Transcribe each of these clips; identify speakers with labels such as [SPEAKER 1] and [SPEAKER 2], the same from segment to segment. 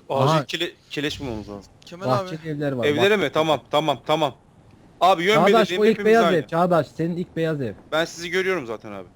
[SPEAKER 1] Aha,
[SPEAKER 2] Acil keleş bulmamız lazım.
[SPEAKER 3] Kemal abi.
[SPEAKER 1] bahçeli evler var.
[SPEAKER 2] Evlere
[SPEAKER 1] bak.
[SPEAKER 2] mi? Tamam. Abi yön
[SPEAKER 1] Çağdaş,
[SPEAKER 2] belirleyeyim,
[SPEAKER 1] o ilk
[SPEAKER 2] hepimiz
[SPEAKER 1] beyaz
[SPEAKER 2] aynı.
[SPEAKER 1] ev. Çağdaş, senin ilk beyaz ev.
[SPEAKER 2] Ben sizi görüyorum zaten abi.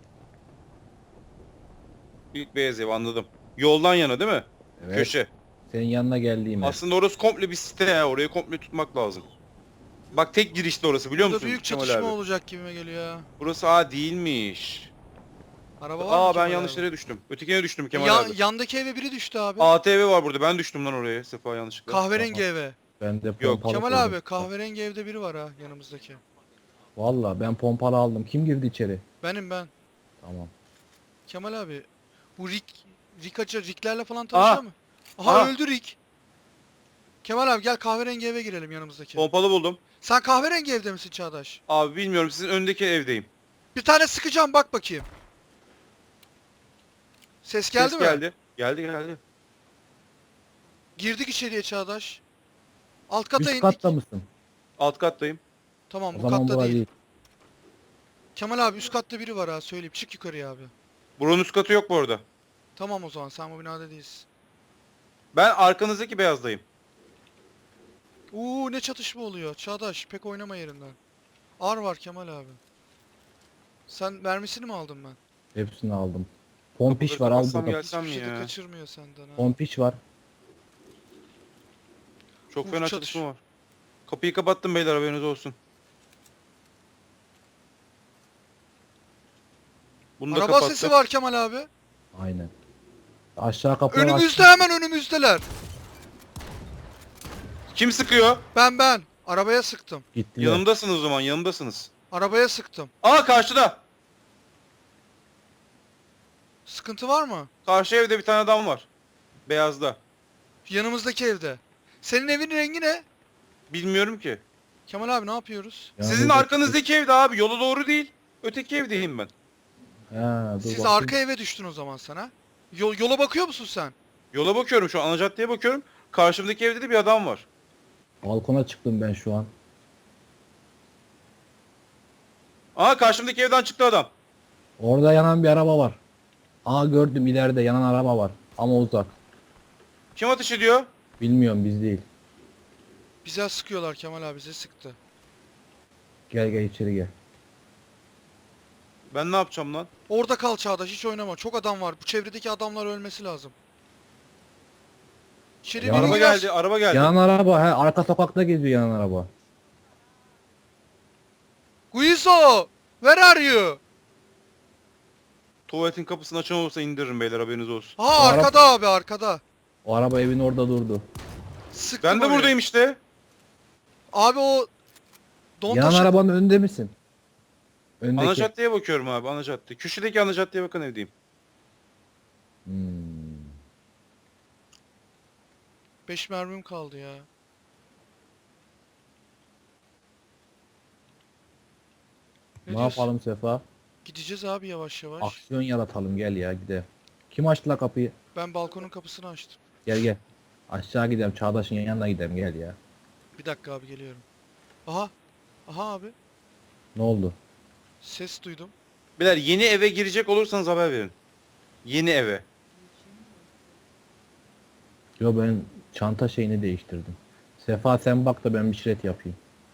[SPEAKER 2] İlk beyaz ev, anladım. Yoldan yana değil mi?
[SPEAKER 1] Evet.
[SPEAKER 2] Köşe.
[SPEAKER 1] Senin yanına geldiğim ev.
[SPEAKER 2] Aslında orası komple bir site ya. Orayı komple tutmak lazım. Bak tek girişte orası, biliyor
[SPEAKER 3] Burada
[SPEAKER 2] musun
[SPEAKER 3] büyük
[SPEAKER 2] Kemal
[SPEAKER 3] çatışma
[SPEAKER 2] abi?
[SPEAKER 3] olacak gibime geliyor ya.
[SPEAKER 2] Burası değilmiş.
[SPEAKER 3] Araba var mı
[SPEAKER 2] Ben
[SPEAKER 3] Kemal
[SPEAKER 2] yanlış
[SPEAKER 3] abi?
[SPEAKER 2] yere düştüm. Ötekine düştüm Kemal
[SPEAKER 3] Ya-
[SPEAKER 2] abi.
[SPEAKER 3] Yandaki eve biri düştü abi.
[SPEAKER 2] ATV var burada. Ben düştüm lan oraya. Sefa yanlışlıkla.
[SPEAKER 3] Kahverengi eve.
[SPEAKER 1] Ben de
[SPEAKER 2] Yok.
[SPEAKER 1] pompalı
[SPEAKER 3] Kemal
[SPEAKER 1] koydum.
[SPEAKER 3] abi kahverengi evde biri var ha yanımızdaki.
[SPEAKER 1] Valla ben pompalı aldım. Kim girdi içeri?
[SPEAKER 3] Ben.
[SPEAKER 1] Tamam.
[SPEAKER 3] Kemal abi. Bu Rick'lerle falan tanışıyor
[SPEAKER 2] Aha.
[SPEAKER 3] mu? Aha,
[SPEAKER 2] Aha.
[SPEAKER 3] öldü Rick. Kemal abi gel kahverengi eve girelim yanımızdaki.
[SPEAKER 2] Pompalı buldum.
[SPEAKER 3] Sen kahverengi evde misin Çağdaş?
[SPEAKER 2] Abi bilmiyorum, sizin öndeki evdeyim.
[SPEAKER 3] Bir tane sıkacağım, bak bakayım. Ses geldi
[SPEAKER 2] Ses
[SPEAKER 3] mi?
[SPEAKER 2] geldi. Geldi.
[SPEAKER 3] Girdik içeriye Çağdaş. Alt kata
[SPEAKER 1] Üst
[SPEAKER 3] indik.
[SPEAKER 1] katta mısın?
[SPEAKER 2] Alt kattayım.
[SPEAKER 3] Tamam,
[SPEAKER 1] O
[SPEAKER 3] bu
[SPEAKER 1] zaman
[SPEAKER 3] katta
[SPEAKER 1] bu
[SPEAKER 3] değil.
[SPEAKER 1] değil.
[SPEAKER 3] Kemal abi üst katta biri var ha, söyleyeyim. Çık yukarıya abi.
[SPEAKER 2] Buranın üst katı yok bu arada.
[SPEAKER 3] Tamam, o zaman sen bu binada değilsin.
[SPEAKER 2] Ben arkanızdaki beyazdayım.
[SPEAKER 3] Ne çatışma oluyor. Çağdaş pek oynama yerinden. Ar var Kemal abi. Sen mermisini mi aldın ben?
[SPEAKER 1] Hepsini aldım. Pompiş
[SPEAKER 2] Kapıları
[SPEAKER 1] var, al
[SPEAKER 2] kapatsam
[SPEAKER 1] burada.
[SPEAKER 2] Gelsem
[SPEAKER 3] Hiçbir şey de
[SPEAKER 2] ya.
[SPEAKER 3] kaçırmıyor senden ha.
[SPEAKER 1] Pompiş var.
[SPEAKER 2] Çok fena
[SPEAKER 3] çatış-
[SPEAKER 2] çatışma var. Kapıyı kapattım beyler, haberiniz olsun. Bunu da
[SPEAKER 3] Araba
[SPEAKER 2] kapattım.
[SPEAKER 3] sesi var Kemal abi.
[SPEAKER 1] Aynen. Aşağı kapıları
[SPEAKER 3] Önümüzde,
[SPEAKER 1] aç.
[SPEAKER 3] hemen önümüzdeler.
[SPEAKER 2] Kim sıkıyor?
[SPEAKER 3] Ben. Arabaya sıktım.
[SPEAKER 1] Gittiler.
[SPEAKER 2] Yanımdasınız o zaman, yanımdasınız.
[SPEAKER 3] Arabaya sıktım.
[SPEAKER 2] Karşıda.
[SPEAKER 3] Sıkıntı var mı?
[SPEAKER 2] Karşı evde bir tane adam var. Beyazda.
[SPEAKER 3] Yanımızdaki evde. Senin evin rengi ne?
[SPEAKER 2] Bilmiyorum ki.
[SPEAKER 3] Kemal abi ne yapıyoruz?
[SPEAKER 1] Ya
[SPEAKER 2] Sizin
[SPEAKER 1] burada-
[SPEAKER 2] arkanızdaki evde abi, yola doğru değil. Öteki evdeyim ben.
[SPEAKER 1] Ha, dur
[SPEAKER 3] Siz
[SPEAKER 1] bakayım.
[SPEAKER 3] arka eve düştün o zaman sana. Yola bakıyor musun sen?
[SPEAKER 2] Yola bakıyorum şu an, ana caddeye bakıyorum. Karşımdaki evde de bir adam var.
[SPEAKER 1] Balkona çıktım ben şu an.
[SPEAKER 2] Karşımdaki evden çıktı adam.
[SPEAKER 1] Orada yanan bir araba var. Gördüm, ileride yanan araba var. Ama uzak.
[SPEAKER 2] Kim ateş ediyor?
[SPEAKER 1] Bilmiyorum, biz değil.
[SPEAKER 3] Bize sıkıyorlar Kemal abi, bize sıktı.
[SPEAKER 1] Gel içeri gel.
[SPEAKER 2] Ben ne yapacağım lan?
[SPEAKER 3] Orada kal Çağdaş, hiç oynama. Çok adam var. Bu çevredeki adamlar ölmesi lazım. İçeri
[SPEAKER 1] Ya
[SPEAKER 3] biri
[SPEAKER 2] Araba
[SPEAKER 3] girer.
[SPEAKER 2] geldi, araba geldi.
[SPEAKER 1] Yanan araba, arka sokakta geziyor yanan araba.
[SPEAKER 3] Guizo! Where are you?
[SPEAKER 2] Tuvaletin kapısını açan olursa indiririm beyler, haberiniz olsun.
[SPEAKER 3] Ha,
[SPEAKER 1] O ara-
[SPEAKER 3] arkada abi, arkada.
[SPEAKER 1] O araba evin orada durdu.
[SPEAKER 3] Sıktım
[SPEAKER 2] Ben de
[SPEAKER 3] oraya.
[SPEAKER 2] buradayım işte.
[SPEAKER 3] Abi o
[SPEAKER 1] Yanan
[SPEAKER 3] Dontaş'ın
[SPEAKER 1] arabanın önünde misin?
[SPEAKER 2] Ana
[SPEAKER 1] Öndeki.
[SPEAKER 2] caddeye bakıyorum abi, ana cadde. Köşedeki ana caddeye bakan evdeyim.
[SPEAKER 1] Hmm.
[SPEAKER 3] 5 mermim kaldı ya.
[SPEAKER 1] Ne
[SPEAKER 3] diyorsun?
[SPEAKER 1] yapalım Sefa?
[SPEAKER 3] Gideceğiz abi yavaş yavaş.
[SPEAKER 1] Aksiyon yaratalım, gel ya gidelim. Kim açtı la kapıyı?
[SPEAKER 3] Ben balkonun kapısını açtım.
[SPEAKER 1] Gel. Aşağı gidelim, Çağdaş'ın yanına gidelim, gel ya.
[SPEAKER 3] Bir dakika abi, geliyorum. Aha. Aha abi.
[SPEAKER 1] Ne oldu?
[SPEAKER 3] Ses duydum.
[SPEAKER 2] Beyler, yeni eve girecek olursanız haber verin. Yeni eve.
[SPEAKER 1] Yo, ben çanta şeyini değiştirdim. Sefa sen bak da ben bir şiret yapayım.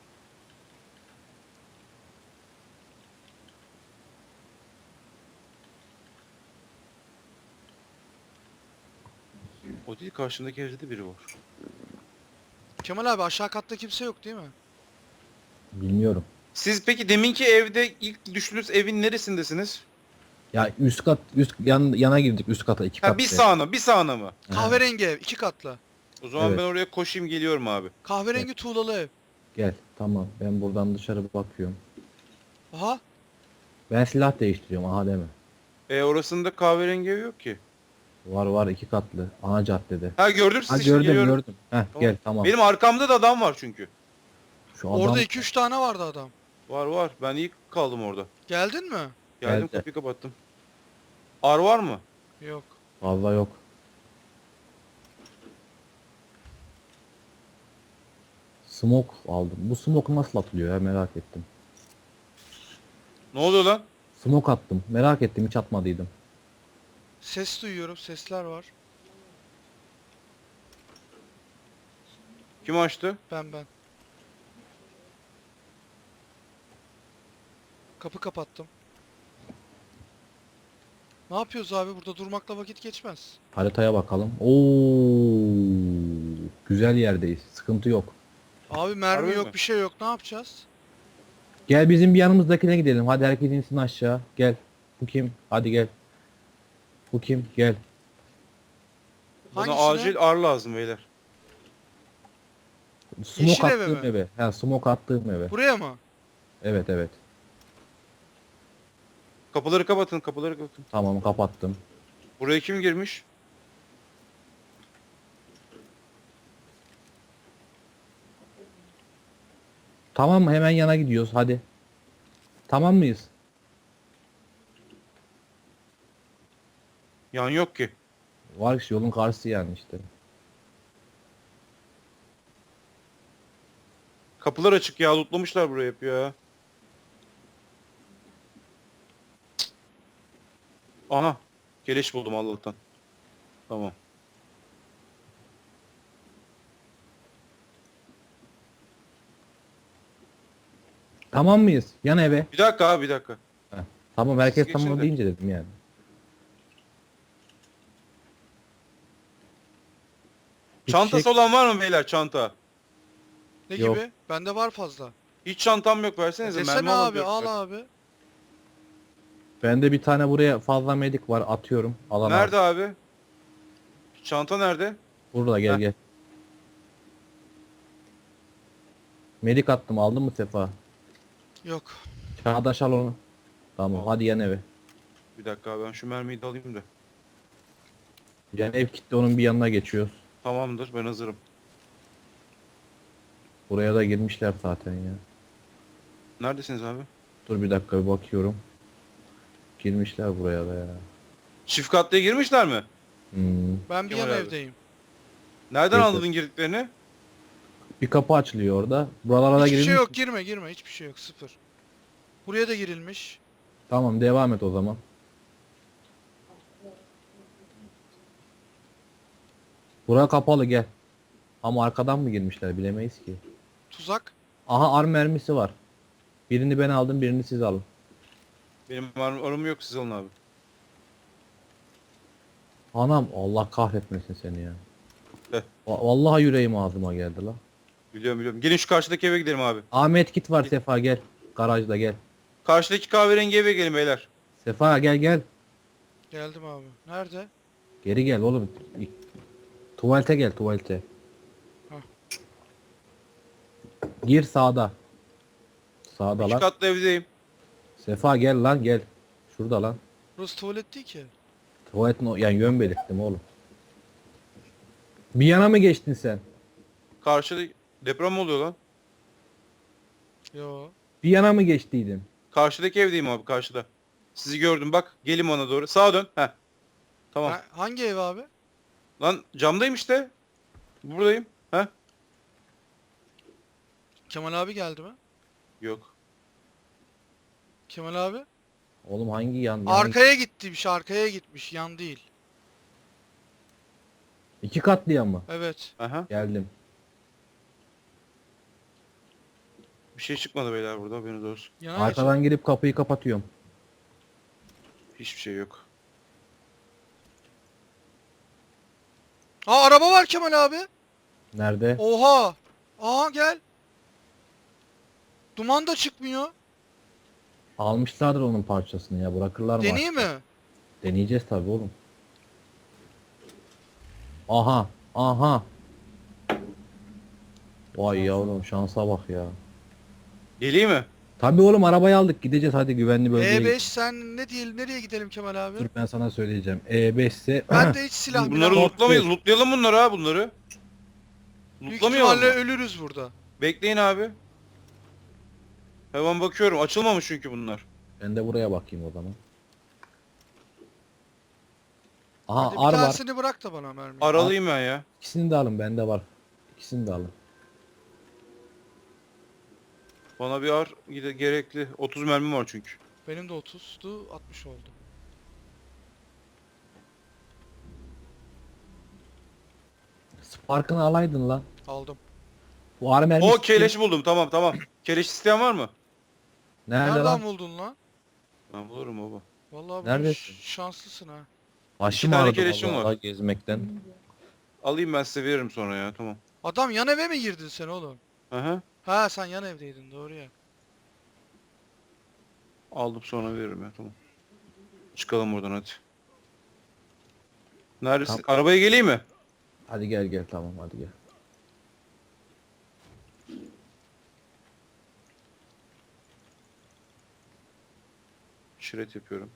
[SPEAKER 2] O değil, karşımdaki evde de biri var.
[SPEAKER 3] Kemal abi aşağı katta kimse yok değil mi?
[SPEAKER 1] Bilmiyorum.
[SPEAKER 2] Siz peki deminki evde ilk düştüğünüz evin neresindesiniz?
[SPEAKER 1] Ya yana girdik, üst kata, iki kat.
[SPEAKER 2] Bir sağına, bir sağına mı?
[SPEAKER 3] Kahverengi ev, 2 katlı.
[SPEAKER 2] O zaman
[SPEAKER 1] Evet.
[SPEAKER 2] ben oraya koşayım, geliyorum abi.
[SPEAKER 3] Kahverengi tuğlalı ev.
[SPEAKER 1] Gel, tamam, ben buradan dışarı bakıyorum.
[SPEAKER 3] Aha.
[SPEAKER 1] Ben silah değiştiriyorum, aha deme.
[SPEAKER 2] Orasında kahverengi ev yok ki.
[SPEAKER 1] Var, iki katlı, ana caddede.
[SPEAKER 2] Gördüm sizi,
[SPEAKER 1] Ha,
[SPEAKER 2] şimdi
[SPEAKER 1] gördüm.
[SPEAKER 2] geliyorum.
[SPEAKER 1] Heh,
[SPEAKER 2] Tamam.
[SPEAKER 1] gel tamam.
[SPEAKER 2] Benim arkamda da adam var çünkü.
[SPEAKER 1] Şu adam
[SPEAKER 3] Orada 2-3 tane vardı adam.
[SPEAKER 2] Var. Ben iyi kaldım orada.
[SPEAKER 3] Geldin mi?
[SPEAKER 2] Geldim,
[SPEAKER 1] Geldi.
[SPEAKER 2] kapıyı kapattım. Ar var mı?
[SPEAKER 3] Yok.
[SPEAKER 1] fazla yok. Smoke aldım. Bu smoke nasıl atılıyor ya, merak ettim.
[SPEAKER 2] Ne oluyor lan?
[SPEAKER 1] Smoke attım. Merak ettim, hiç atmadıydım.
[SPEAKER 3] Ses duyuyorum, sesler var.
[SPEAKER 2] Kim açtı?
[SPEAKER 3] Ben. Kapı kapattım. Ne yapıyoruz abi? Burada durmakla vakit geçmez.
[SPEAKER 1] Haritaya bakalım. Oo, güzel yerdeyiz. Sıkıntı yok.
[SPEAKER 3] Abi mermi
[SPEAKER 2] Harbi
[SPEAKER 3] yok,
[SPEAKER 2] mi?
[SPEAKER 3] bir şey yok. Ne yapacağız?
[SPEAKER 1] Gel bizim bir yanımızdakine gidelim. Hadi herkes insin aşağı. Gel. Bu kim? Hadi gel. Bu kim? Gel.
[SPEAKER 2] Bana
[SPEAKER 3] Hangisine?
[SPEAKER 2] acil ar lazım beyler.
[SPEAKER 1] Smoke
[SPEAKER 3] Yeşil eve
[SPEAKER 1] attığım
[SPEAKER 3] mi?
[SPEAKER 1] eve. Ha, smoke attığım eve.
[SPEAKER 3] Buraya mı?
[SPEAKER 1] Evet evet.
[SPEAKER 2] Kapıları kapatın, kapıları kapatın.
[SPEAKER 1] Tamam kapattım.
[SPEAKER 2] Buraya kim girmiş?
[SPEAKER 1] Tamam mı? Hemen yana gidiyoruz. Hadi. Tamam mıyız?
[SPEAKER 2] Yan yok ki.
[SPEAKER 1] Var işte yolun karşısı yani işte.
[SPEAKER 2] Kapılar açık ya, lootlamışlar burayı hep ya. Aha. Keleş buldum Allah'tan. Tamam.
[SPEAKER 1] Tamam mıyız? Yan eve.
[SPEAKER 2] Bir dakika abi, bir dakika.
[SPEAKER 1] Heh. Tamam herkes
[SPEAKER 2] Siz
[SPEAKER 1] tamam
[SPEAKER 2] geçin de.
[SPEAKER 1] deyince dedim yani. Bir
[SPEAKER 2] Çantası
[SPEAKER 1] fişek-
[SPEAKER 2] olan var mı beyler, çanta?
[SPEAKER 3] Ne
[SPEAKER 1] Yok.
[SPEAKER 3] gibi? Bende var fazla.
[SPEAKER 2] Hiç çantam yok, versenize.
[SPEAKER 3] Desene
[SPEAKER 2] Mermi
[SPEAKER 3] abi,
[SPEAKER 2] alamıyorum
[SPEAKER 3] al
[SPEAKER 2] zaten.
[SPEAKER 3] abi.
[SPEAKER 1] Bende bir tane buraya fazla medik var atıyorum. Alan
[SPEAKER 2] Nerede abi? Çanta nerede?
[SPEAKER 1] Burada gel
[SPEAKER 2] Heh.
[SPEAKER 1] gel. Medik attım aldın mı Sefa?
[SPEAKER 3] Yok.
[SPEAKER 1] Çağdaş al onu. Tamam
[SPEAKER 2] Al.
[SPEAKER 1] hadi yan eve.
[SPEAKER 2] Bir dakika abi, ben şu mermiyi de alayım da.
[SPEAKER 1] Yan ev kitle onun bir yanına geçiyoruz.
[SPEAKER 2] Tamamdır, ben hazırım.
[SPEAKER 1] Buraya da girmişler zaten ya.
[SPEAKER 2] Neredesiniz abi?
[SPEAKER 1] Dur bir dakika bir bakıyorum. Girmişler buraya da ya.
[SPEAKER 2] Çift katlıya girmişler mi?
[SPEAKER 1] Hmm.
[SPEAKER 3] Ben bir
[SPEAKER 2] Kemal
[SPEAKER 3] yan
[SPEAKER 2] abi.
[SPEAKER 3] evdeyim.
[SPEAKER 2] Nereden
[SPEAKER 1] Evet.
[SPEAKER 2] anladın girdiklerini?
[SPEAKER 1] Bir kapı açılıyor orada. Buralara da
[SPEAKER 3] Hiçbir
[SPEAKER 1] girilmiş.
[SPEAKER 3] şey yok, girme. Hiçbir şey yok, sıfır. Buraya da girilmiş.
[SPEAKER 1] Tamam devam et o zaman. Bura kapalı gel. Ama arkadan mı girmişler bilemeyiz ki.
[SPEAKER 3] Tuzak.
[SPEAKER 1] Aha ar mermisi var. Birini ben aldım birini siz alın.
[SPEAKER 2] Benim arım yok, siz alın abi.
[SPEAKER 1] Anam Allah kahretmesin seni ya.
[SPEAKER 2] Heh.
[SPEAKER 1] Vallahi yüreğim ağzıma geldi la.
[SPEAKER 2] Biliyorum biliyorum. Gelin şu karşıdaki eve gidelim abi.
[SPEAKER 1] Ahmet kit var Sefa gel. Garajda gel.
[SPEAKER 2] Karşıdaki kahverengi eve gelin beyler.
[SPEAKER 1] Sefa gel gel.
[SPEAKER 3] Geldim abi. Nerede?
[SPEAKER 1] Geri gel oğlum. Tuvalete gel tuvalete.
[SPEAKER 3] Hah.
[SPEAKER 1] Gir sağda. Sağda
[SPEAKER 2] İki
[SPEAKER 1] lan.
[SPEAKER 2] katlı evdeyim.
[SPEAKER 1] Sefa gel lan gel. Şurada lan.
[SPEAKER 3] Burası tuvalet değil ki.
[SPEAKER 1] Tuvaletin yani yön belirttim oğlum. Bir yana mı geçtin sen?
[SPEAKER 2] Karşıda deprem mi oluyor lan?
[SPEAKER 3] Yo.
[SPEAKER 1] Bir yana mı geçtiydin?
[SPEAKER 2] Karşıdaki evdeyim abi, karşıda. Sizi gördüm bak. Gelin bana doğru. Sağa dön. Heh. Tamam.
[SPEAKER 3] Hangi ev abi?
[SPEAKER 2] Lan camdayım işte. Buradayım. Heh.
[SPEAKER 3] Kemal abi geldi mi?
[SPEAKER 2] Yok.
[SPEAKER 3] Kemal abi?
[SPEAKER 1] Oğlum hangi yan?
[SPEAKER 3] Arkaya gitmiş, arkaya gitmiş. Yan değil.
[SPEAKER 1] İki katlı yan mı?
[SPEAKER 3] Evet.
[SPEAKER 2] Aha.
[SPEAKER 1] Geldim.
[SPEAKER 2] Bir şey çıkmadı beyler burada, haberiniz olsun.
[SPEAKER 3] Yana
[SPEAKER 1] Arkadan girip kapıyı kapatıyorum.
[SPEAKER 2] Hiçbir şey yok.
[SPEAKER 3] Aa, araba var Kemal abi.
[SPEAKER 1] Nerede?
[SPEAKER 3] Oha. Aa, gel. Duman da çıkmıyor.
[SPEAKER 1] Almışlardır onun parçasını ya bırakırlar mı?
[SPEAKER 3] Deneyeyim
[SPEAKER 1] artık?
[SPEAKER 3] mi?
[SPEAKER 1] Deneyeceğiz tabii oğlum. Aha. Aha. Vay yavrum şansa bak ya.
[SPEAKER 2] Geleyim mi?
[SPEAKER 1] Tabii oğlum arabayı aldık gideceğiz hadi güvenli bölgeye.
[SPEAKER 3] E5 sen ne diyelim, nereye gidelim Kemal abi?
[SPEAKER 1] Dur ben sana söyleyeceğim. E5 ise
[SPEAKER 3] Ben de hiç silah
[SPEAKER 2] Bunları
[SPEAKER 3] milah-
[SPEAKER 2] lootlamayız. Lootlayalım bunları ha, bunları.
[SPEAKER 3] Büyük
[SPEAKER 2] Lootlamayalım
[SPEAKER 3] ihtimalle
[SPEAKER 2] mı?
[SPEAKER 3] ölürüz burada.
[SPEAKER 2] Bekleyin abi. Hemen bakıyorum. Açılmamış çünkü bunlar.
[SPEAKER 1] ben de buraya bakayım o zaman. Aha
[SPEAKER 3] Hadi bir
[SPEAKER 1] ar var.
[SPEAKER 3] tanesini bırak da bana mermi.
[SPEAKER 2] Aralıyım ben ya.
[SPEAKER 1] İkisini de alın bende var. İkisini de alın.
[SPEAKER 2] Bana bir ar gerekli. 30 mermim var çünkü.
[SPEAKER 3] Benim de 30'du, 60 oldu.
[SPEAKER 1] Spark'ını alaydın lan.
[SPEAKER 3] Aldım.
[SPEAKER 1] Bu ağrı mermisi.
[SPEAKER 2] O keleş buldum. Tamam tamam. Keleş isteyen var mı?
[SPEAKER 1] Nerede
[SPEAKER 3] Nereden
[SPEAKER 1] lan?
[SPEAKER 3] buldun lan?
[SPEAKER 2] Ben bulurum baba.
[SPEAKER 3] Vallahi bugün
[SPEAKER 1] Neredesin?
[SPEAKER 3] şanslısın ha.
[SPEAKER 1] Başım
[SPEAKER 2] tane
[SPEAKER 1] ağrıdı
[SPEAKER 2] keleşim
[SPEAKER 1] vallahi
[SPEAKER 2] var.
[SPEAKER 1] gezmekten.
[SPEAKER 2] Alayım ben size veririm sonra ya. Tamam.
[SPEAKER 3] Adam yan eve mi girdin sen oğlum?
[SPEAKER 2] Aha.
[SPEAKER 3] Ha sen yan evdeydin doğru ya.
[SPEAKER 2] Aldım sonra veririm ya. Tamam. Çıkalım buradan hadi. Neredesin? Arabaya geleyim mi?
[SPEAKER 1] Hadi gel gel tamam hadi gel.
[SPEAKER 2] Şiret yapıyorum.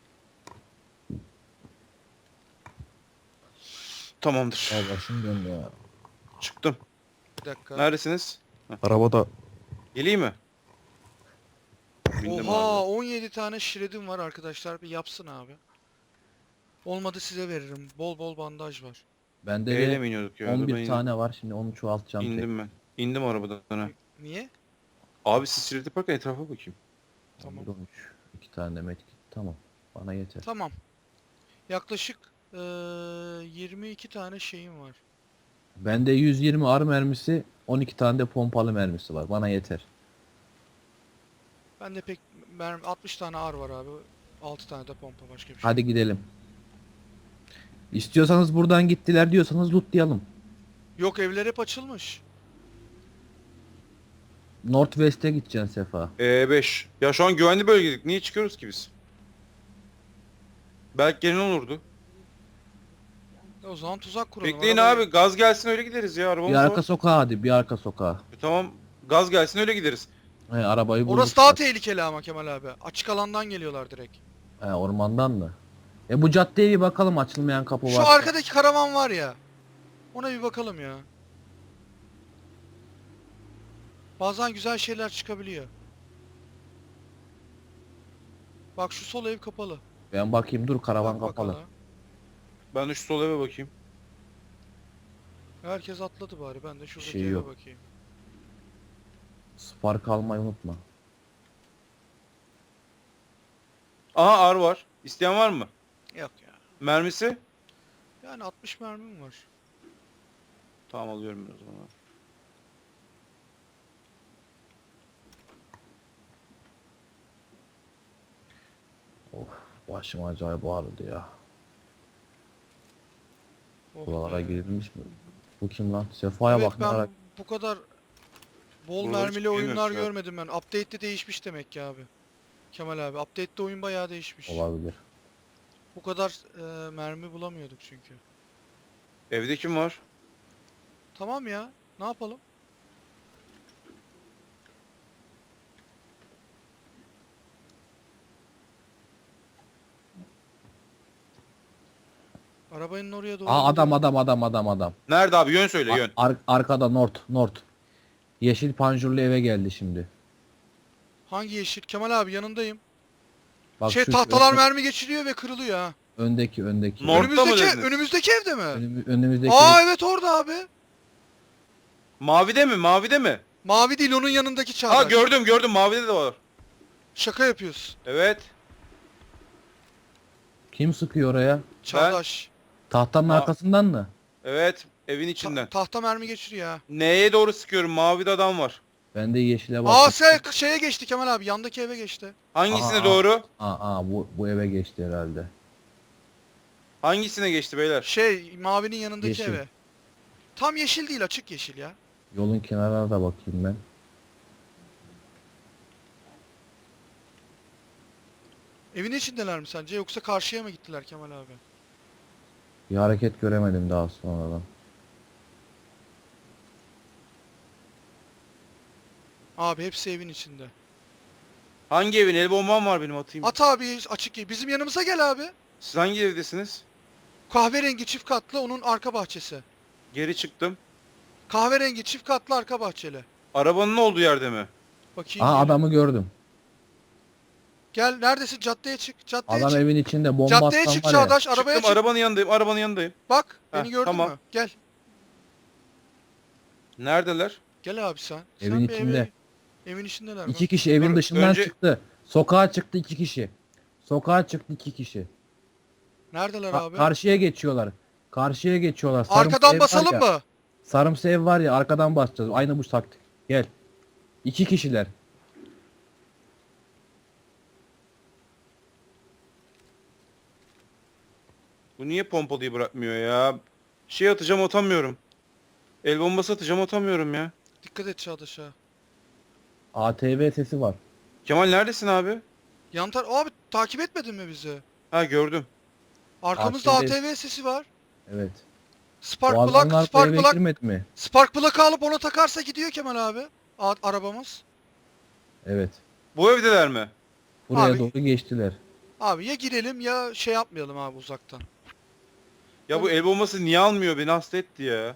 [SPEAKER 2] Tamamdır.
[SPEAKER 1] Ya başım döndü ya.
[SPEAKER 2] Çıktım.
[SPEAKER 3] Bir dakika.
[SPEAKER 2] Neredesiniz?
[SPEAKER 1] Arabada.
[SPEAKER 2] Geleyim mi? Bindim
[SPEAKER 3] Oha
[SPEAKER 2] abi.
[SPEAKER 3] 17 tane şiredim var arkadaşlar bir yapsın abi. Olmadı size veririm. Bol bol bandaj var.
[SPEAKER 1] Bende
[SPEAKER 2] Eyle
[SPEAKER 1] de
[SPEAKER 2] mi iniyorduk ya? Dur,
[SPEAKER 1] 11
[SPEAKER 2] ben
[SPEAKER 1] tane var şimdi onu çoğaltacağım. tek.
[SPEAKER 2] İndim ben. İndim arabadan ha.
[SPEAKER 3] Niye?
[SPEAKER 2] Abi siz şiret yaparken etrafa bakayım.
[SPEAKER 3] Tamam.
[SPEAKER 1] 11, 13. 2 tane de medkit. Tamam. Bana yeter.
[SPEAKER 3] Tamam. Yaklaşık 22 tane şeyim var.
[SPEAKER 1] Bende 120 ağrı mermisi, 12 tane de pompalı mermisi var. Bana yeter.
[SPEAKER 3] Bende pek 60 tane ar var abi. 6 tane de pompa başka bir şey.
[SPEAKER 1] Hadi gidelim. İstiyorsanız buradan gittiler diyorsanız lootlayalım.
[SPEAKER 3] Yok evler hep açılmış.
[SPEAKER 1] Northwest'e gideceksin Sefa.
[SPEAKER 2] E5. Ya şu an güvenli bölgedik. Niye çıkıyoruz ki biz? Belki gelin olurdu.
[SPEAKER 3] O zaman tuzak kuralım.
[SPEAKER 2] Bekleyin
[SPEAKER 3] Arabayı-
[SPEAKER 2] abi. Gaz gelsin öyle gideriz ya. Arabamız
[SPEAKER 1] Bir arka
[SPEAKER 2] var.
[SPEAKER 1] sokağa hadi, bir arka sokağa.
[SPEAKER 2] Tamam. Gaz gelsin öyle gideriz.
[SPEAKER 1] He, arabayı bulduk.
[SPEAKER 3] Orası daha tehlikeli ama Kemal abi. Açık alandan geliyorlar direkt.
[SPEAKER 1] He, ormandan mı? Bu caddeye bir bakalım, açılmayan kapı
[SPEAKER 3] Şu
[SPEAKER 1] var.
[SPEAKER 3] arkadaki karavan var ya. Ona bir bakalım ya. Bazen güzel şeyler çıkabiliyor. Bak şu sol ev kapalı.
[SPEAKER 1] Ben bakayım, dur, karavan
[SPEAKER 3] Bak
[SPEAKER 1] kapalı.
[SPEAKER 3] bakalım.
[SPEAKER 2] Ben de şu sol eve bakayım.
[SPEAKER 3] Herkes atladı bari. Ben de şuradaki
[SPEAKER 1] Şey
[SPEAKER 3] eve
[SPEAKER 1] yok.
[SPEAKER 3] bakayım.
[SPEAKER 1] Spark almayı unutma.
[SPEAKER 2] Aha ar var. İsteyen var mı?
[SPEAKER 3] Yok ya.
[SPEAKER 2] Mermisi?
[SPEAKER 3] Yani 60 mermim var.
[SPEAKER 2] Tamam alıyorum ben o zaman.
[SPEAKER 1] Of, başım acayip ağrıdı ya.
[SPEAKER 3] Oh
[SPEAKER 1] Buralara
[SPEAKER 3] be.
[SPEAKER 1] girilmiş mi? Bu kim lan? Sefa'ya
[SPEAKER 3] Evet
[SPEAKER 1] bak ne
[SPEAKER 3] ben
[SPEAKER 1] ara.
[SPEAKER 3] bu kadar bol
[SPEAKER 2] Buraları
[SPEAKER 3] mermili
[SPEAKER 2] çıkıyor
[SPEAKER 3] oyunlar
[SPEAKER 2] mesela.
[SPEAKER 3] görmedim ben. Update'de değişmiş demek ki abi. Kemal abi. Update'de oyun bayağı değişmiş.
[SPEAKER 1] Olabilir.
[SPEAKER 3] Bu kadar mermi bulamıyorduk çünkü.
[SPEAKER 2] Evde kim var?
[SPEAKER 3] Tamam ya. Ne yapalım? Arabanın oraya doğru.
[SPEAKER 1] Aa,
[SPEAKER 3] gidelim.
[SPEAKER 1] adam.
[SPEAKER 2] Nerede abi? Yön söyle yön.
[SPEAKER 1] Arkada North. Yeşil panjurlu eve geldi şimdi.
[SPEAKER 3] Hangi yeşil? Kemal abi yanındayım.
[SPEAKER 1] Bak
[SPEAKER 3] Şey
[SPEAKER 1] şu
[SPEAKER 3] tahtalar mermi geçiriyor ve kırılıyor ha.
[SPEAKER 1] öndeki.
[SPEAKER 2] North'ta mı dediniz?
[SPEAKER 3] Önümüzdeki evde mi?
[SPEAKER 1] Önümüzdeki.
[SPEAKER 3] Aa evet orada abi.
[SPEAKER 2] Mavide mi? Mavide mi?
[SPEAKER 3] Mavi değil onun yanındaki Çağdaş.
[SPEAKER 2] Ha gördüm. Mavide de var.
[SPEAKER 3] Şaka yapıyorsun.
[SPEAKER 2] Evet.
[SPEAKER 1] Kim sıkıyor oraya?
[SPEAKER 3] Çağdaş.
[SPEAKER 1] Tahtanın
[SPEAKER 2] Aa.
[SPEAKER 1] arkasından mı?
[SPEAKER 2] Evet. Evin içinden.
[SPEAKER 3] Tahta mermi geçiriyor ha.
[SPEAKER 2] Neye doğru sıkıyorum? Mavide adam var.
[SPEAKER 1] Ben de yeşile
[SPEAKER 3] Aa
[SPEAKER 1] bak.
[SPEAKER 3] şeye geçti Kemal abi. Yandaki eve geçti.
[SPEAKER 2] Hangisine
[SPEAKER 1] Aa.
[SPEAKER 2] doğru?
[SPEAKER 1] Bu eve geçti herhalde.
[SPEAKER 2] Hangisine geçti beyler?
[SPEAKER 3] Şey mavinin yanındaki
[SPEAKER 1] Yeşil.
[SPEAKER 3] eve. Tam yeşil değil açık yeşil ya.
[SPEAKER 1] Yolun kenarına da bakayım ben.
[SPEAKER 3] Evin içindeler mi sence yoksa karşıya mı gittiler Kemal abi?
[SPEAKER 1] Bir hareket göremedim daha sonradan.
[SPEAKER 3] Abi hepsi evin içinde.
[SPEAKER 2] Hangi evin? El bombam var benim atayım.
[SPEAKER 3] At abi açık ye. Bizim yanımıza gel abi.
[SPEAKER 2] Siz hangi evdesiniz?
[SPEAKER 3] Kahverengi çift katlı onun arka bahçesi.
[SPEAKER 2] Geri çıktım.
[SPEAKER 3] Kahverengi çift katlı arka bahçeli.
[SPEAKER 2] Arabanın olduğu yerde mi?
[SPEAKER 3] Bakayım.
[SPEAKER 1] Aa,
[SPEAKER 3] gel.
[SPEAKER 1] adamı gördüm.
[SPEAKER 3] Gel neredesin? Caddeye çık. Caddeye
[SPEAKER 1] Adam
[SPEAKER 3] çık.
[SPEAKER 1] evin içinde bomba
[SPEAKER 3] Caddeye
[SPEAKER 1] atsan
[SPEAKER 3] çık
[SPEAKER 1] var ya.
[SPEAKER 3] Çağdaş. Arabaya
[SPEAKER 2] Çıktım
[SPEAKER 3] çık.
[SPEAKER 2] arabanın yanındayım.
[SPEAKER 3] Bak
[SPEAKER 2] Heh,
[SPEAKER 3] beni gördün
[SPEAKER 2] tamam.
[SPEAKER 3] mü? Gel.
[SPEAKER 2] Neredeler?
[SPEAKER 3] Gel abi sen.
[SPEAKER 1] Evin
[SPEAKER 3] Sen bir
[SPEAKER 1] içinde.
[SPEAKER 3] evin içindeler.
[SPEAKER 1] İki
[SPEAKER 3] bak.
[SPEAKER 1] kişi evin
[SPEAKER 2] Dur,
[SPEAKER 1] dışından
[SPEAKER 2] önce-
[SPEAKER 1] çıktı. Sokağa çıktı 2 kişi. Sokağa çıktı 2 kişi.
[SPEAKER 3] Neredeler
[SPEAKER 1] Ka-
[SPEAKER 3] abi?
[SPEAKER 1] karşıya geçiyorlar. Karşıya geçiyorlar. Sarımsı ev
[SPEAKER 3] Arkadan
[SPEAKER 1] var
[SPEAKER 3] basalım
[SPEAKER 1] ya.
[SPEAKER 3] mı?
[SPEAKER 1] Sarımsı ev var ya, arkadan basacağız. Aynı bu taktik. Gel. 2 kişiler.
[SPEAKER 2] Bu niye pompalıyı bırakmıyor ya? Şey atacağım atamıyorum. El bombası atacağım atamıyorum ya.
[SPEAKER 3] Dikkat et Çağdaş ha.
[SPEAKER 1] ATV sesi var.
[SPEAKER 2] Kemal neredesin abi?
[SPEAKER 3] Abi takip etmedin mi bizi?
[SPEAKER 2] Ha gördüm.
[SPEAKER 3] Arkamızda
[SPEAKER 1] ATV
[SPEAKER 3] ATV sesi var.
[SPEAKER 1] Evet.
[SPEAKER 3] Spark
[SPEAKER 1] Bu
[SPEAKER 3] plug,
[SPEAKER 1] adamlar bu
[SPEAKER 3] spark
[SPEAKER 1] eve
[SPEAKER 3] plug,
[SPEAKER 1] girmedi mi?
[SPEAKER 3] spark plug'ı alıp ona takarsa gidiyor Kemal abi. Arabamız.
[SPEAKER 1] Evet.
[SPEAKER 2] Bu evdeler mi?
[SPEAKER 1] Buraya
[SPEAKER 3] Abi-
[SPEAKER 1] doğru geçtiler.
[SPEAKER 3] Abi ya girelim ya şey yapmayalım abi uzaktan.
[SPEAKER 2] Ya bu el bombası niye almıyor beni hasta etti ya.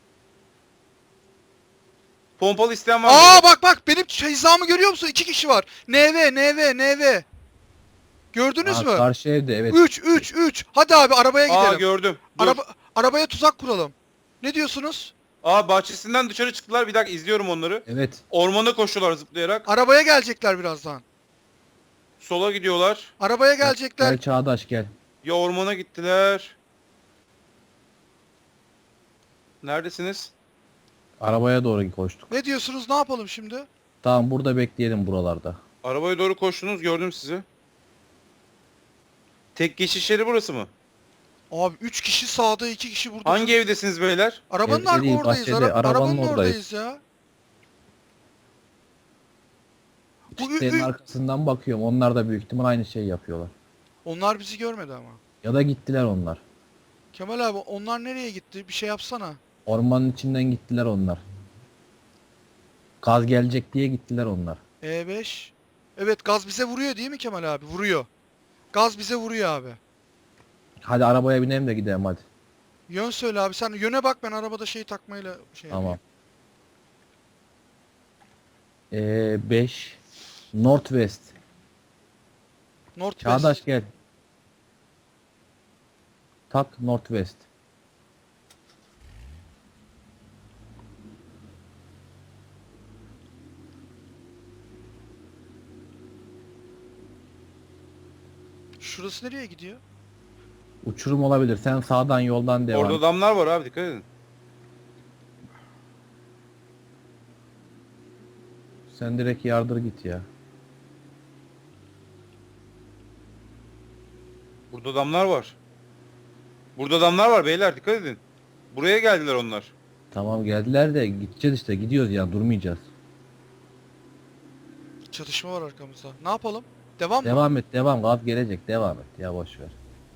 [SPEAKER 2] Pompalı isteyen var mı?
[SPEAKER 3] Aa bak benim hizamı görüyor musun? 2 kişi var. NV. Gördünüz
[SPEAKER 1] Aa,
[SPEAKER 3] mü?
[SPEAKER 1] karşı evde evet.
[SPEAKER 3] 3. Hadi abi arabaya
[SPEAKER 2] Aa
[SPEAKER 3] gidelim.
[SPEAKER 2] gördüm. Dur.
[SPEAKER 3] Arabaya tuzak kuralım. Ne diyorsunuz?
[SPEAKER 2] Aa bahçesinden dışarı çıktılar. Bir dakika izliyorum onları.
[SPEAKER 1] Evet.
[SPEAKER 2] Ormana koşuyorlar zıplayarak.
[SPEAKER 3] Arabaya gelecekler birazdan.
[SPEAKER 2] Sola gidiyorlar.
[SPEAKER 3] Arabaya gelecekler.
[SPEAKER 1] Gel Çağdaş gel.
[SPEAKER 2] Ya ormana gittiler. Neredesiniz?
[SPEAKER 1] Arabaya doğru koştuk.
[SPEAKER 3] Ne diyorsunuz? Ne yapalım şimdi?
[SPEAKER 1] Tamam, burada bekleyelim buralarda.
[SPEAKER 2] Arabaya doğru koştunuz gördüm sizi. Tek geçiş yeri burası mı?
[SPEAKER 3] Abi 3 kişi sağda 2 kişi burada.
[SPEAKER 2] Hangi evdesiniz beyler?
[SPEAKER 3] Arabanın
[SPEAKER 1] Evde değil,
[SPEAKER 3] oradayız.
[SPEAKER 1] bahçede, arabanın oradayız.
[SPEAKER 3] oradayız ya. Bu
[SPEAKER 1] Senin arkasından bakıyorum. Onlar da büyük ihtimal aynı şeyi yapıyorlar.
[SPEAKER 3] Onlar bizi görmedi ama.
[SPEAKER 1] Ya da gittiler onlar.
[SPEAKER 3] Kemal abi onlar nereye gitti? Bir şey yapsana.
[SPEAKER 1] Ormanın içinden gittiler onlar. Gaz gelecek diye gittiler onlar.
[SPEAKER 3] E5. Evet gaz bize vuruyor değil mi Kemal abi? Vuruyor. Gaz bize vuruyor abi.
[SPEAKER 1] Hadi arabaya binelim de gidelim hadi.
[SPEAKER 3] Yön söyle abi. Sen yöne bak ben arabada şey takmayla şey
[SPEAKER 1] Tamam.
[SPEAKER 3] yapayım.
[SPEAKER 1] 5 Northwest.
[SPEAKER 3] Northwest.
[SPEAKER 1] Çağdaş gel. Tak Northwest.
[SPEAKER 3] Şurası nereye gidiyor?
[SPEAKER 1] Uçurum olabilir. Sen sağdan yoldan devam.
[SPEAKER 2] Orada adamlar var abi dikkat edin.
[SPEAKER 1] Sen direkt yardır git ya.
[SPEAKER 2] Burada adamlar var. Burada adamlar var beyler dikkat edin. Buraya geldiler onlar.
[SPEAKER 1] Tamam geldiler de gideceğiz işte. Gidiyoruz ya, durmayacağız.
[SPEAKER 3] Çatışma var arkamızda. Ne yapalım? Devam mı?
[SPEAKER 1] Devam et, devam. Gaz gelecek. Devam et ya, boş ver.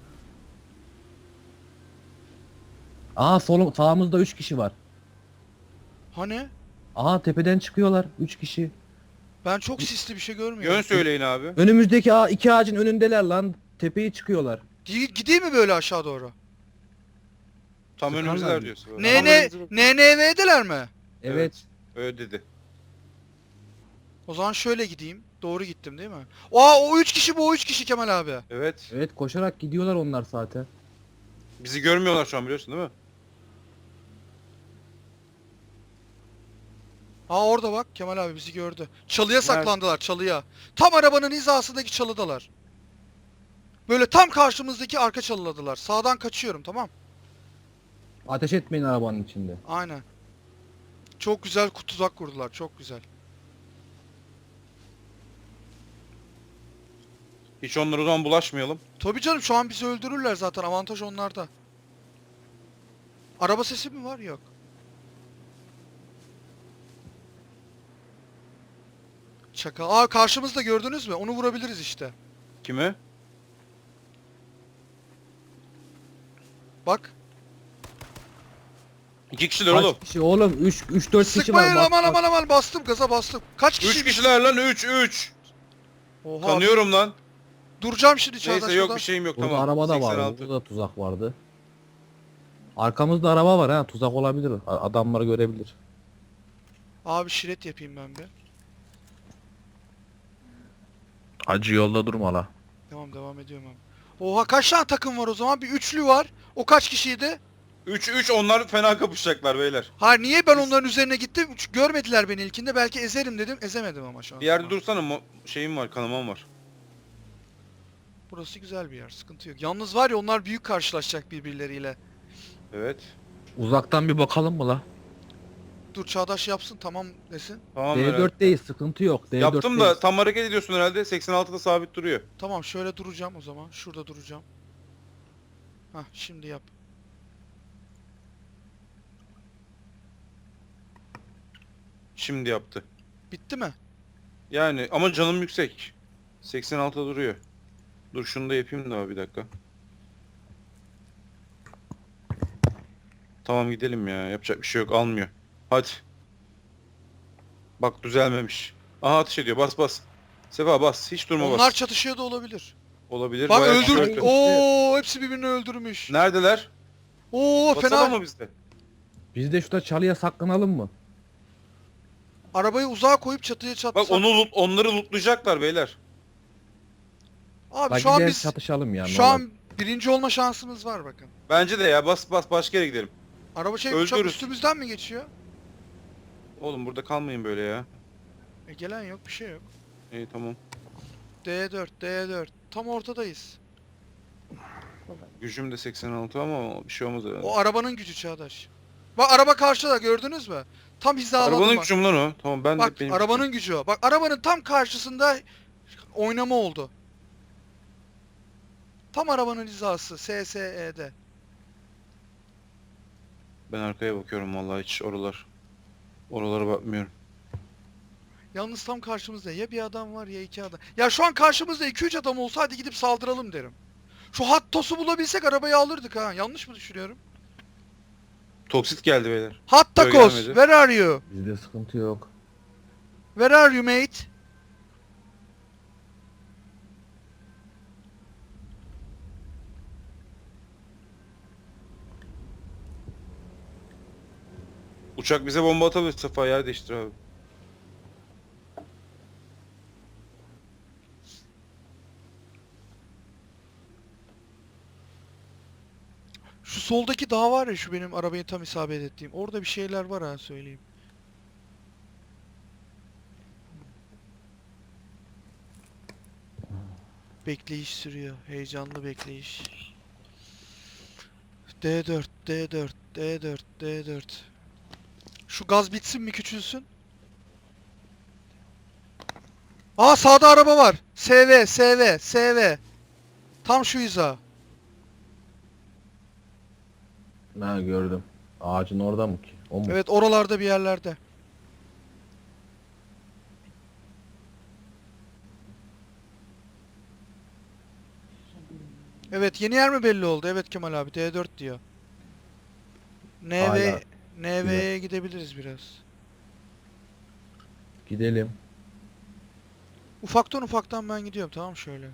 [SPEAKER 1] Aa, sağımızda 3 kişi var.
[SPEAKER 3] Hani?
[SPEAKER 1] Aa, tepeden çıkıyorlar 3 kişi.
[SPEAKER 3] Ben çok sisli bir şey görmüyorum.
[SPEAKER 2] Yön söyleyin abi.
[SPEAKER 1] Önümüzdeki iki ağacın önündeler lan. Tepeyi çıkıyorlar.
[SPEAKER 3] Gideyim mi böyle aşağı doğru?
[SPEAKER 2] Tam
[SPEAKER 1] Sıkarlar
[SPEAKER 2] önümüzdeler
[SPEAKER 1] diyor.
[SPEAKER 2] diyorsun.
[SPEAKER 3] NNV'deler mi?
[SPEAKER 1] Evet.
[SPEAKER 2] Öyle dedi.
[SPEAKER 3] O zaman şöyle gideyim. Doğru gittim değil mi? O 3 kişi bu 3 kişi Kemal abi.
[SPEAKER 2] Evet.
[SPEAKER 1] Evet, koşarak gidiyorlar onlar zaten.
[SPEAKER 2] Bizi görmüyorlar şu an biliyorsun değil mi?
[SPEAKER 3] Orada bak Kemal abi bizi gördü. Çalıya saklandılar çalıya. Tam arabanın hizasındaki çalıdalar. Böyle tam karşımızdaki arka çalıladılar. Sağdan kaçıyorum tamam.
[SPEAKER 1] Ateş etmeyin arabanın içinde.
[SPEAKER 3] Aynen. Çok güzel tuzak kurdular çok güzel.
[SPEAKER 2] Hiç onlara o zaman bulaşmayalım.
[SPEAKER 3] Tabii canım şu an bizi öldürürler zaten avantaj onlarda. Araba sesi mi var? Yok. Çakal. Karşımızda gördünüz mü? Onu vurabiliriz işte.
[SPEAKER 2] Kimi?
[SPEAKER 3] Bak.
[SPEAKER 2] 2 kişiler oğlum.
[SPEAKER 1] Kaç kişi oğlum? 3-4 kişi var.
[SPEAKER 3] Sıkmayın
[SPEAKER 1] Bak,
[SPEAKER 3] aman
[SPEAKER 1] bak.
[SPEAKER 3] aman bastım gaza bastım. Kaç kişi?
[SPEAKER 2] 3 kişiler lan 3.
[SPEAKER 3] Oha.
[SPEAKER 2] Tanıyorum lan.
[SPEAKER 3] Duracağım şimdi Çağdaş
[SPEAKER 2] Neyse yok
[SPEAKER 3] burada.
[SPEAKER 2] bir şeyim yok
[SPEAKER 1] Burada
[SPEAKER 2] tamam.
[SPEAKER 1] araba da vardı.
[SPEAKER 2] 86.
[SPEAKER 1] Burada da tuzak vardı. Arkamızda araba var ha. Tuzak olabilir. Adamları görebilir.
[SPEAKER 3] Abi şiret yapayım ben bir.
[SPEAKER 1] Acı yolda durma la.
[SPEAKER 3] Tamam devam ediyorum abi. Oha kaç tane takım var o zaman? Bir üçlü var. O kaç kişiydi?
[SPEAKER 2] 3 onlar fena kapışacaklar beyler.
[SPEAKER 3] Hayır niye ben onların üzerine gittim? Görmediler beni ilkinde. Belki ezerim dedim. Ezemedim ama şu an.
[SPEAKER 2] Bir yerde dursana şeyim var kanamam var.
[SPEAKER 3] Burası güzel bir yer. Sıkıntı yok. Yalnız var ya onlar büyük karşılaşacak birbirleriyle.
[SPEAKER 2] Evet.
[SPEAKER 1] Uzaktan bir bakalım mı la?
[SPEAKER 3] Dur Çağdaş yapsın tamam desin.
[SPEAKER 2] Tamam herhalde.
[SPEAKER 1] D4'teyiz, sıkıntı yok.
[SPEAKER 2] Yaptım da tam hareket ediyorsun herhalde. 86'da sabit duruyor.
[SPEAKER 3] Tamam şöyle duracağım o zaman. Şurada duracağım. Hah şimdi yap.
[SPEAKER 2] Şimdi yaptı.
[SPEAKER 3] Bitti mi?
[SPEAKER 2] Yani ama canım yüksek. 86'da duruyor. Dur şunu da yapayım da bir dakika. Tamam gidelim ya. Yapacak bir şey yok. Almıyor. Hadi. Bak düzelmemiş. Aha ateş ediyor. Bas bas. Sefa bas. Hiç durma
[SPEAKER 3] Onlar
[SPEAKER 2] bas.
[SPEAKER 3] çatışıyor da olabilir.
[SPEAKER 2] Olabilir.
[SPEAKER 3] Bak
[SPEAKER 2] Bayağı kişi
[SPEAKER 3] öldür.
[SPEAKER 2] öldü.
[SPEAKER 3] Oo hepsi birbirini öldürmüş.
[SPEAKER 2] Neredeler?
[SPEAKER 3] Oo
[SPEAKER 2] Basalım
[SPEAKER 3] fena.
[SPEAKER 2] mı bizde?
[SPEAKER 1] Biz de şurada çalıya saklanalım mı?
[SPEAKER 3] Arabayı uzağa koyup çatıya
[SPEAKER 2] Bak
[SPEAKER 3] çatsak.
[SPEAKER 2] onları lootlayacaklar beyler.
[SPEAKER 3] Abi
[SPEAKER 1] Bak
[SPEAKER 3] şu an
[SPEAKER 1] gidelim
[SPEAKER 3] biz
[SPEAKER 1] çatışalım ya.
[SPEAKER 3] şu an birinci olma şansımız var bakın.
[SPEAKER 2] Bence de ya bas bas başka yere gidelim.
[SPEAKER 3] Araba uçak
[SPEAKER 2] Öldürürüz.
[SPEAKER 3] üstümüzden mi geçiyor?
[SPEAKER 2] Oğlum burada kalmayın böyle ya.
[SPEAKER 3] Gelen yok bir şey yok.
[SPEAKER 2] İyi tamam.
[SPEAKER 3] D4 tam ortadayız.
[SPEAKER 2] Gücüm de 86 ama bir şey olmaz herhalde.
[SPEAKER 3] O arabanın gücü Çağdaş. Bak araba karşıda gördünüz mü? Tam hizaladım
[SPEAKER 2] Arabanın
[SPEAKER 3] bak.
[SPEAKER 2] gücüm lan o. Tamam ben
[SPEAKER 3] Bak
[SPEAKER 2] de benim
[SPEAKER 3] arabanın gücü o. Bak arabanın tam karşısında oynama oldu. Tam arabanın hizası SSE'de.
[SPEAKER 2] Ben arkaya bakıyorum vallahi hiç oralara bakmıyorum.
[SPEAKER 3] Yalnız tam karşımızda ya bir adam var ya iki adam. Ya şu an karşımızda 2-3 adam olsa hadi gidip saldıralım derim. Şu Hattos'u bulabilsek arabayı alırdık ha. Yanlış mı düşünüyorum?
[SPEAKER 2] Toksit geldi beyler.
[SPEAKER 3] Hattakos,
[SPEAKER 2] gelmedi.
[SPEAKER 3] where are you?
[SPEAKER 1] Bizde sıkıntı yok.
[SPEAKER 3] Where are you mate?
[SPEAKER 2] Uçak bize bomba atabilir Safa yer değiştir abi.
[SPEAKER 3] Şu soldaki dağ var ya şu benim arabayı tam isabet ettiğim. Orada bir şeyler var ha söyleyeyim. Bekleyiş sürüyor. Heyecanlı bekleyiş. D4. Şu gaz bitsin mi küçülsün? Aa sağda araba var. SV. Tam şu hiza.
[SPEAKER 1] Ha gördüm. Ağacın orada mı ki? O mu?
[SPEAKER 3] Evet oralarda bir yerlerde. Evet yeni yer mi belli oldu? Evet Kemal abi D4 diyor.
[SPEAKER 1] Hala.
[SPEAKER 3] NV'ye gidebiliriz biraz.
[SPEAKER 1] Gidelim.
[SPEAKER 3] Ufaktan ben gidiyorum tamam şöyle.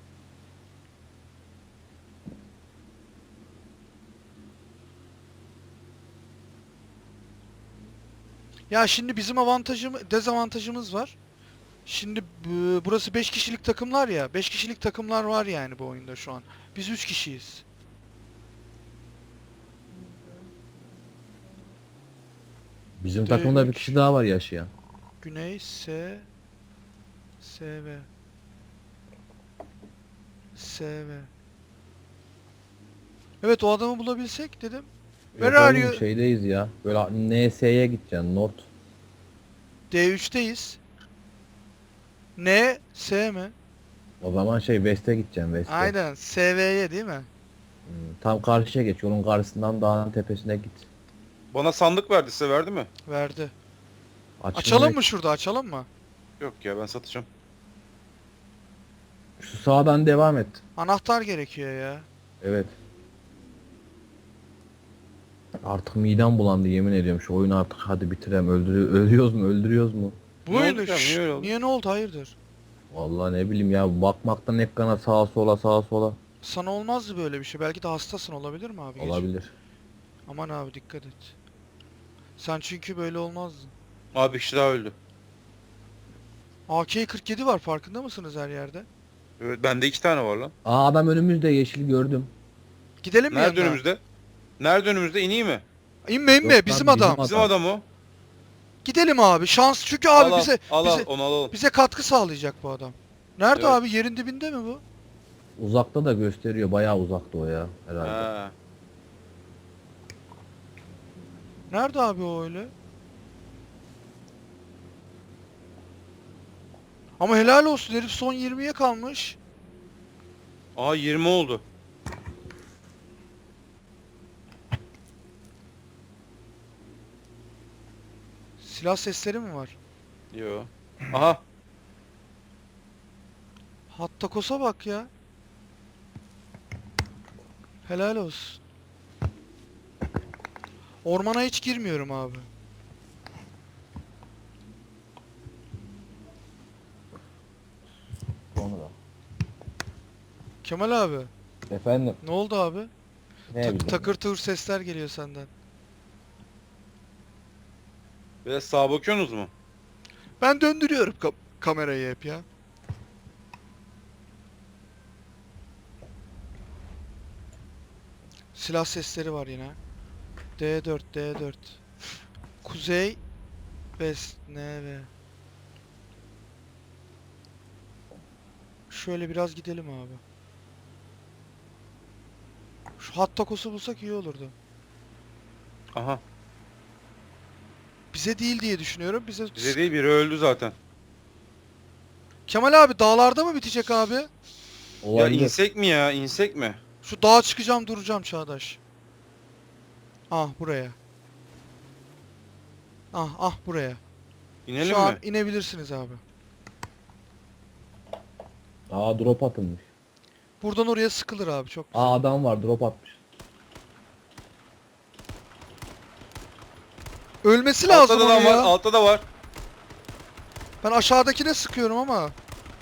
[SPEAKER 3] Ya şimdi bizim dezavantajımız var. Şimdi burası 5 kişilik takımlar ya. 5 kişilik takımlar var yani bu oyunda şu an. Biz 3 kişiyiz.
[SPEAKER 1] Bizim
[SPEAKER 3] D3.
[SPEAKER 1] takımda bir kişi daha var yaşayan.
[SPEAKER 3] Güney SV. Evet o adamı bulabilsek dedim. Where
[SPEAKER 1] Yok
[SPEAKER 3] are
[SPEAKER 1] oğlum,
[SPEAKER 3] you?
[SPEAKER 1] şeydeyiz ya. Böyle NS'ye gideceksin. Not.
[SPEAKER 3] D3'teyiz. N, S mi?
[SPEAKER 1] O zaman West'e gideceksin. West'e.
[SPEAKER 3] Aynen. SV'ye değil mi?
[SPEAKER 1] Tam karşıya geç. Yolun karşısından dağın tepesine git.
[SPEAKER 2] Bana sandık verdi size verdi mi?
[SPEAKER 3] Verdi.
[SPEAKER 1] Açılmaya-
[SPEAKER 3] Açalım mı şurada? Açalım mı?
[SPEAKER 2] Yok ya ben satacağım.
[SPEAKER 1] Şu sağdan devam et.
[SPEAKER 3] Anahtar gerekiyor ya.
[SPEAKER 1] Evet. Artık midem bulandı yemin ediyorum. Şu oyunu artık hadi bitirem. Öldürüyoruz mu?
[SPEAKER 3] Bu
[SPEAKER 2] Ne oldu
[SPEAKER 3] oyunu
[SPEAKER 2] ya, niye öyle oldu?
[SPEAKER 3] niye ne oldu? Hayırdır?
[SPEAKER 1] Vallahi ne bileyim ya, bakmaktan ekrana sağa sola
[SPEAKER 3] Sana olmazdı böyle bir şey. Belki de hastasın olabilir mi abi? Gece?
[SPEAKER 1] olabilir.
[SPEAKER 3] Aman abi dikkat et. Sen çünkü böyle olmazdın.
[SPEAKER 2] Abi bir kişi daha öldü.
[SPEAKER 3] AK-47 var farkında mısınız her yerde?
[SPEAKER 2] Evet bende 2 tane var lan.
[SPEAKER 1] Aa, adam önümüzde, yeşil gördüm.
[SPEAKER 3] Gidelim mi
[SPEAKER 2] Nerede
[SPEAKER 3] yanına?
[SPEAKER 2] önümüzde? Nerede önümüzde ineyim mi?
[SPEAKER 3] İnme
[SPEAKER 1] Yok lan,
[SPEAKER 3] bizim
[SPEAKER 1] bizim
[SPEAKER 3] adam.
[SPEAKER 1] adam.
[SPEAKER 2] Bizim adam o.
[SPEAKER 3] Gidelim abi. Şans çünkü abi
[SPEAKER 2] al,
[SPEAKER 3] bize
[SPEAKER 2] al,
[SPEAKER 3] bize
[SPEAKER 2] onu alalım.
[SPEAKER 3] bize katkı sağlayacak bu adam. Nerede
[SPEAKER 2] Evet.
[SPEAKER 3] abi? Yerin dibinde mi bu?
[SPEAKER 1] Uzakta da gösteriyor. Bayağı uzakta o ya herhalde.
[SPEAKER 2] Ha.
[SPEAKER 3] Nerede abi o öyle? Ama helal olsun herif son 20'ye kalmış.
[SPEAKER 2] Aa 20 oldu.
[SPEAKER 3] Silah sesleri mi var?
[SPEAKER 2] Yo. Aha.
[SPEAKER 3] Hatta kosa bak ya. Helal olsun. Ormana hiç girmiyorum abi.
[SPEAKER 1] Sonra.
[SPEAKER 3] Kemal abi,
[SPEAKER 1] Efendim.
[SPEAKER 3] ne oldu abi?
[SPEAKER 1] Ne bileyim.
[SPEAKER 3] Takır tuğur sesler geliyor senden.
[SPEAKER 2] Biraz sağa bakıyorsunuz mu?
[SPEAKER 3] Ben döndürüyorum kamerayı hep ya. Silah sesleri var yine. D4, D4. Kuzey, West, NV. Şöyle biraz gidelim abi. Şu hat takosu bulsak iyi olurdu.
[SPEAKER 2] Aha.
[SPEAKER 3] Bize değil diye düşünüyorum.
[SPEAKER 2] Bize değil, biri öldü zaten.
[SPEAKER 3] Kemal abi dağlarda mı bitecek abi?
[SPEAKER 2] Ya
[SPEAKER 1] Olabilir.
[SPEAKER 2] insek mi ya? İnsek mi?
[SPEAKER 3] Şu dağa çıkacağım duracağım Çağdaş. Ah buraya. Ah buraya.
[SPEAKER 2] İnelim
[SPEAKER 3] Şu an
[SPEAKER 2] mi?
[SPEAKER 3] inebilirsiniz abi.
[SPEAKER 1] Aa drop atılmış.
[SPEAKER 3] Buradan oraya sıkılır abi çok güzel.
[SPEAKER 1] Aa adam var drop atmış.
[SPEAKER 3] Ölmesi lazım
[SPEAKER 2] Altta da
[SPEAKER 3] onun
[SPEAKER 2] var,
[SPEAKER 3] ya.
[SPEAKER 2] altta da var.
[SPEAKER 3] Ben aşağıdakine sıkıyorum ama.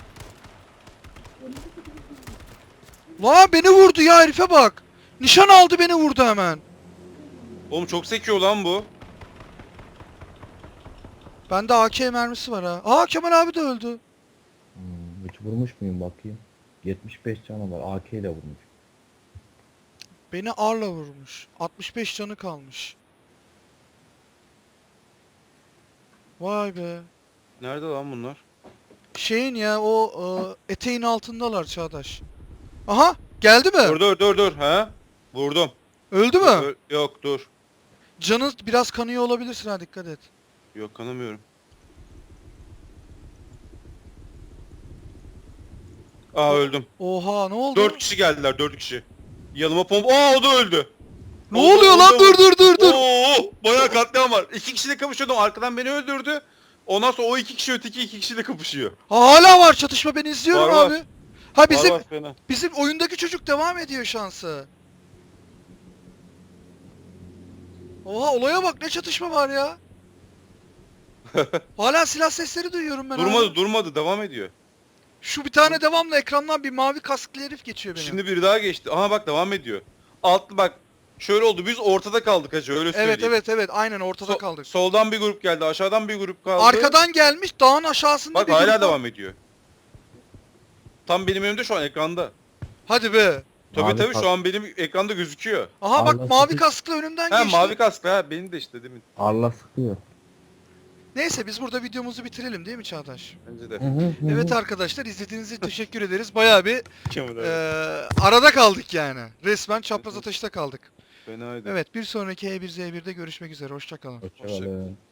[SPEAKER 3] La beni vurdu ya herife bak. Nişan aldı beni vurdu hemen.
[SPEAKER 2] Oğlum çok sekiyor lan bu.
[SPEAKER 3] Bende AK mermisi var ha. Aa Kemal abi de öldü.
[SPEAKER 1] Hiç vurmuş muyum bakayım. 75 canı var. AK ile vurmuş.
[SPEAKER 3] Beni arla vurmuş. 65 canı kalmış. Vay be.
[SPEAKER 2] Nerede lan bunlar?
[SPEAKER 3] Şeyin ya o eteğin altındalar Çağdaş. Aha geldi mi?
[SPEAKER 2] Dur. Ha? Vurdum.
[SPEAKER 3] Öldü mü?
[SPEAKER 2] Yok dur.
[SPEAKER 3] Canı biraz kanıyor olabilirsin ha dikkat et.
[SPEAKER 2] Yok kanamıyorum. Aa öldüm.
[SPEAKER 3] Oha ne oldu?
[SPEAKER 2] 4 kişi geldiler, 4 kişi. Yanıma pompa... Aa o da öldü.
[SPEAKER 3] Ne oluyor lan? Dur.
[SPEAKER 2] Oo, bayağı katliam var. 2 kişiyle kapışıyordum. Arkadan beni öldürdü. Ondan sonra o 2 kişi öteki 2 kişiyle kapışıyor.
[SPEAKER 3] Ha, hala var çatışma ben izliyorum
[SPEAKER 2] Var, var.
[SPEAKER 3] abi. Ha bizim
[SPEAKER 2] Var fena.
[SPEAKER 3] bizim oyundaki çocuk devam ediyor şansı. Oha olaya bak ne çatışma var ya. Hala silah sesleri duyuyorum ben abi.
[SPEAKER 2] Durmadı devam ediyor.
[SPEAKER 3] Şu bir tane devamlı ekrandan bir mavi kasklı herif geçiyor benim.
[SPEAKER 2] Şimdi biri daha geçti. Aha bak devam ediyor. Altlı bak. Şöyle oldu, biz ortada kaldık hacı, öyle söyleyeyim.
[SPEAKER 3] Evet aynen ortada kaldık.
[SPEAKER 2] Soldan bir grup geldi, aşağıdan bir grup kaldı.
[SPEAKER 3] Arkadan gelmiş dağın aşağısında
[SPEAKER 2] Bak
[SPEAKER 3] bir
[SPEAKER 2] hala
[SPEAKER 3] grup var.
[SPEAKER 2] devam ediyor. Tam benim önümde şu an ekranda.
[SPEAKER 3] Hadi be.
[SPEAKER 2] Tabii
[SPEAKER 1] Mavi
[SPEAKER 2] şu an benim ekranda gözüküyor.
[SPEAKER 3] Aha bak
[SPEAKER 1] Arla
[SPEAKER 3] mavi
[SPEAKER 1] sıkı-
[SPEAKER 3] kasklı önümden
[SPEAKER 2] He
[SPEAKER 3] geçti.
[SPEAKER 2] mavi kasklı ha, benim de işte demin.
[SPEAKER 1] Arla sıkıyor.
[SPEAKER 3] Neyse biz burada videomuzu bitirelim değil mi Çağdaş?
[SPEAKER 2] Bence de.
[SPEAKER 3] Evet arkadaşlar izlediğiniz için teşekkür ederiz. Bayağı bir
[SPEAKER 2] Kemal abi.
[SPEAKER 3] arada kaldık yani. Resmen çapraz ateşte kaldık.
[SPEAKER 2] Fenaydı.
[SPEAKER 3] Evet bir sonraki E1Z1'de görüşmek üzere. Hoşça kalın.
[SPEAKER 1] Hoşçakalın.